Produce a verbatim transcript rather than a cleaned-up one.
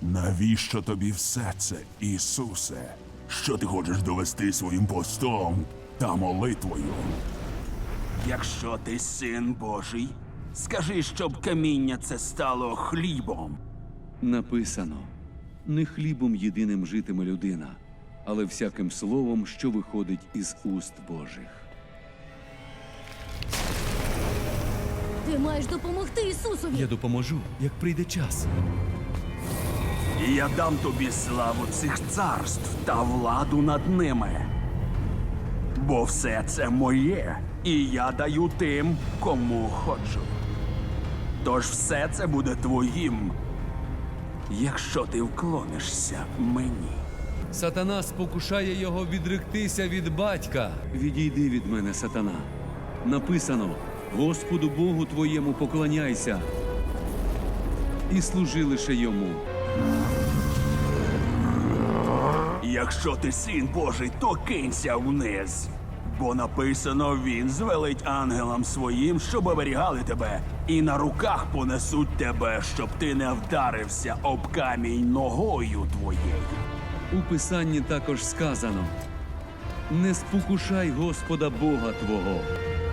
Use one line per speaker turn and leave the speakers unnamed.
Навіщо тобі все це, Ісусе? Що ти хочеш довести своїм постом та молитвою?
Якщо ти син Божий, скажи, щоб каміння це стало хлібом.
Написано: не хлібом єдиним житиме людина, але всяким словом, що виходить із уст Божих.
Ти маєш допомогти Ісусові.
Я допоможу, як прийде час.
І я дам тобі славу цих царств та владу над ними. Бо все це моє, і я даю тим, кому хочу. Тож все це буде твоїм, якщо ти вклонишся мені.
Сатана спокушає його відректися від батька.
Відійди від мене, сатана. Написано: Господу Богу твоєму поклоняйся і служи лише йому.
Якщо ти син Божий, то кинься вниз. Бо написано, він звелить ангелам своїм, щоб оберігали тебе, і на руках понесуть тебе, щоб ти не вдарився об камінь ногою твоєю.
У Писанні також сказано: не спокушай Господа Бога твого.